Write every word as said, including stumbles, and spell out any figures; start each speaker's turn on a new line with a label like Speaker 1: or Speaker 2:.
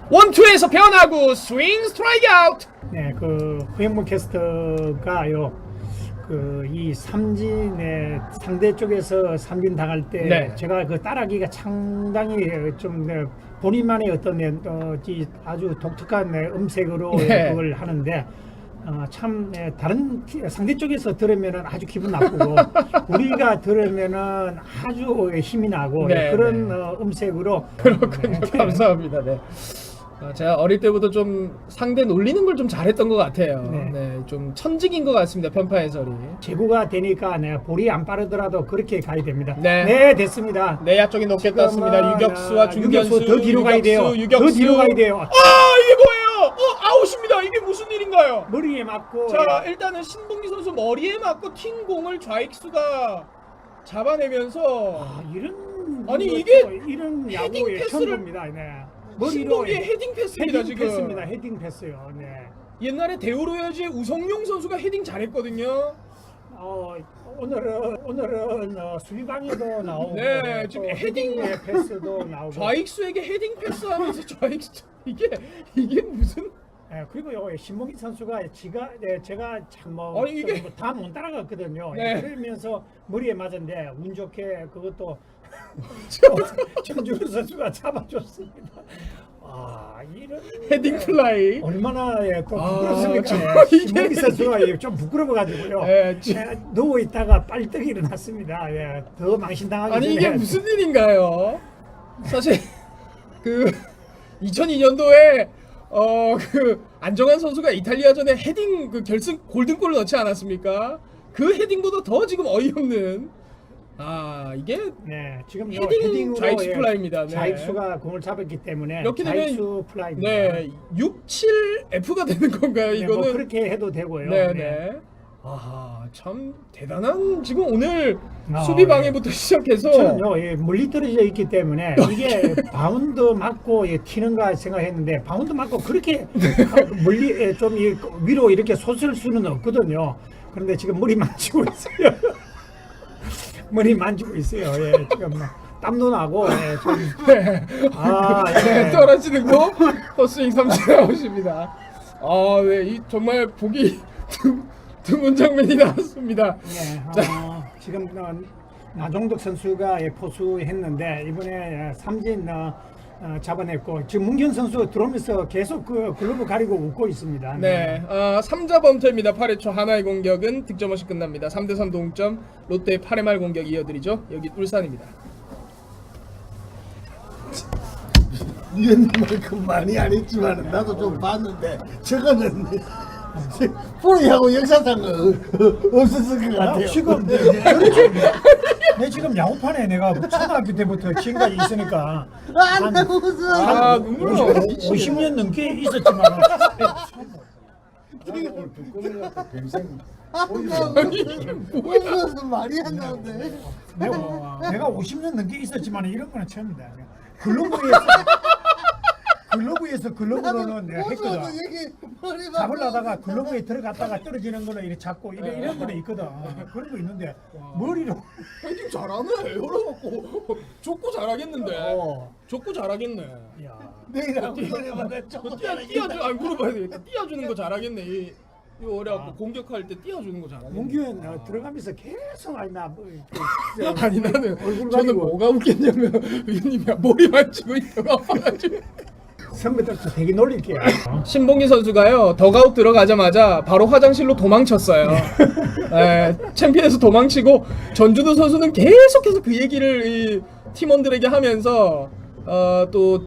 Speaker 1: 원투에서 변하고 스윙 스트라이크 아웃.
Speaker 2: 네, 그 허영무 캐스터가요. 그 이 삼진의 상대 쪽에서 삼진 당할 때
Speaker 1: 네.
Speaker 2: 제가 그 따라하기가 상당히 좀 네, 본인만의 어떤 네, 어, 이 아주 독특한 네, 음색으로
Speaker 1: 네.
Speaker 2: 그걸 하는데 어, 참 네, 다른 티- 상대 쪽에서 들으면은 아주 기분 나쁘고 우리가 들으면은 아주 힘이 나고
Speaker 1: 네,
Speaker 2: 그런
Speaker 1: 네.
Speaker 2: 어, 음색으로
Speaker 1: 그렇군요.
Speaker 2: 네.
Speaker 1: 감사합니다. 네. 아, 제가 어릴 때부터 좀 상대 놀리는 걸 좀 잘했던 것 같아요. 네.
Speaker 2: 네.
Speaker 1: 좀 천직인 것 같습니다. 편파 해설이.
Speaker 2: 제구가 되니까 네, 볼이 안 빠르더라도 그렇게 가야 됩니다.
Speaker 1: 네.
Speaker 2: 됐습니다.
Speaker 1: 내야 쪽이 높게 떴습니다.
Speaker 2: 지금은,
Speaker 1: 유격수와
Speaker 2: 아,
Speaker 1: 중견수.
Speaker 2: 유격수 더 뒤로 가야 돼요.
Speaker 1: 유격수.
Speaker 2: 더 뒤로 가야 돼요.
Speaker 1: 아 이게 뭐예요? 어 아웃입니다. 이게 무슨 일인가요?
Speaker 2: 머리에 맞고
Speaker 1: 자 일단은 신봉기 선수 머리에 맞고 튄 공을 좌익수가 잡아내면서
Speaker 2: 아, 이런
Speaker 1: 아니,
Speaker 2: 이것도
Speaker 1: 이게
Speaker 2: 이런
Speaker 1: 헤딩
Speaker 2: 야구의
Speaker 1: 패스를-
Speaker 2: 천국입니다. 네. 머리로
Speaker 1: 신봉기의 헤딩 패스입니다.
Speaker 2: 헤딩
Speaker 1: 지금
Speaker 2: 패스입니다. 헤딩 패스요. 네.
Speaker 1: 옛날에 대우로야지의 우성용 선수가 헤딩 잘했거든요.
Speaker 2: 어, 오늘은 오늘은 어, 수비방에도 나오고
Speaker 1: 네,
Speaker 2: 또
Speaker 1: 지금 헤딩-
Speaker 2: 헤딩의 패스도 나오고
Speaker 1: 좌익수에게 헤딩 패스하면서 좌익수 이게 이게 무슨
Speaker 2: 예, 그리고 요 신봉기 선수가 지가 네, 제가 참뭐
Speaker 1: 아니, 이게-
Speaker 2: 다 못 따라갔거든요.
Speaker 1: 네.
Speaker 2: 그러면서 머리에 맞았는데 운 좋게 그것도 전준우 선수가 잡아줬습니다. 아 이런
Speaker 1: 헤딩 플라이.
Speaker 2: 얼마나 예, 또
Speaker 1: 아,
Speaker 2: 부끄럽습니까?
Speaker 1: 저
Speaker 2: 예,
Speaker 1: 이게-
Speaker 2: 신봉기 선수가 예, 좀 부끄러워가지고요.
Speaker 1: 예, 지-
Speaker 2: 예, 누워 있다가 빨떡 일어났습니다. 예, 더 망신당하기
Speaker 1: 아니
Speaker 2: 전에
Speaker 1: 이게 무슨 일인가요? 사실 그 이천이 년도에 어 그 안정환 선수가 이탈리아전에 헤딩 그 결승 골든골을 넣지 않았습니까? 그 헤딩보다 더 지금 어이없는 아 이게
Speaker 2: 네, 지금 요
Speaker 1: 헤딩
Speaker 2: 헤딩으로
Speaker 1: 좌익수
Speaker 2: 예,
Speaker 1: 플라이입니다. 네.
Speaker 2: 좌익수가 공을 잡았기 때문에
Speaker 1: 이렇게 되면-
Speaker 2: 좌익수 플라이입니다.
Speaker 1: 네, 육, 칠 에프가 되는 건가요?
Speaker 2: 네,
Speaker 1: 이거는
Speaker 2: 뭐 그렇게 해도 되고요.
Speaker 1: 네,
Speaker 2: 네.
Speaker 1: 네. 아, 참 대단한 지금 오늘
Speaker 2: 아,
Speaker 1: 수비 방해부터 시작해서
Speaker 2: 저는요 예, 멀리 떨어져 있기 때문에 이게 바운드 맞고 예, 튀는가 생각했는데 바운드 맞고 그렇게 멀리 예, 좀 이, 위로 이렇게 솟을 수는 없거든요. 그런데 지금 머리 만지고 있어요. 머리 만지고 있어요. 예, 지금 땀도 나고 예, 좀
Speaker 1: 네.
Speaker 2: 아,
Speaker 1: 네,
Speaker 2: 예.
Speaker 1: 떨어지는 거 헛스윙 삼진 나오십니다. 아, 네, 이 정말 보기 드- 드문 장면이 나왔습니다.
Speaker 2: 네, 어, 지금 어, 나종덕 선수가 예, 포수했는데 이번에 예, 삼진 어, 어, 잡아냈고 지금 문경 선수 들어오면서 계속 그 글러브 가리고 웃고 있습니다.
Speaker 1: 네, 아, 삼 자 범퇴입니다. 팔 회 초 하나의 공격은 득점 없이 끝납니다. 삼 대 삼 동점. 롯데의 팔 회 말 공격 이어드리죠. 여기 울산입니다.
Speaker 3: 위원님만큼 많이 안 했지만 나도 좀 봤는데 저거는 프로야구 역사상 없었을 것
Speaker 2: 나
Speaker 3: 같아요.
Speaker 2: 지금 내, 내, 그렇지. 내 지금 야구판에 내가 초등학교 때부터 지금까지 있으니까
Speaker 3: 안 웃어.
Speaker 1: 아, 눈물 나.
Speaker 2: 오십 년 넘게 있었지만
Speaker 3: 웃어서 말이 안 나오네.
Speaker 2: 내가, 내가 오십 년 넘게 있었지만 이런 거는 처음이다. 글러브에서 글러브에서 글러브로는 내가 했거든. 잡으려다가 글러브에 들어갔다가 떨어지는 거는 이렇게 잡고 이런, 이런 거는 있거든. 그런 거 있는데 머리로
Speaker 1: 헤딩 잘하네. 열어갖고 족구 잘하겠는데.
Speaker 2: 어.
Speaker 1: 족구 잘하겠네.
Speaker 2: 야.
Speaker 3: 내가 그거마다
Speaker 1: 어, 띄워 띄워주 안 물어봐야 되겠다. 띄워주는 거 잘하겠네. 이 이거 어려갖고 공격할 때 띄워주는 거 잘하겠네.
Speaker 2: 문규현 어, 들어가면서 계속 아니 나 뭐, 그,
Speaker 1: 아니 나는
Speaker 2: 얼굴
Speaker 1: 저는
Speaker 2: 가리고.
Speaker 1: 뭐가 웃겼냐면 위님이 머리 만지고 있다가 아파가지고.
Speaker 2: 선배들도 되게 놀릴게요.
Speaker 1: 신봉기 선수가요 덕아웃 들어가자마자 바로 화장실로 도망쳤어요. 에, 챔피언에서 도망치고 전준우 선수는 계속해서 그 얘기를 이 팀원들에게 하면서 어, 또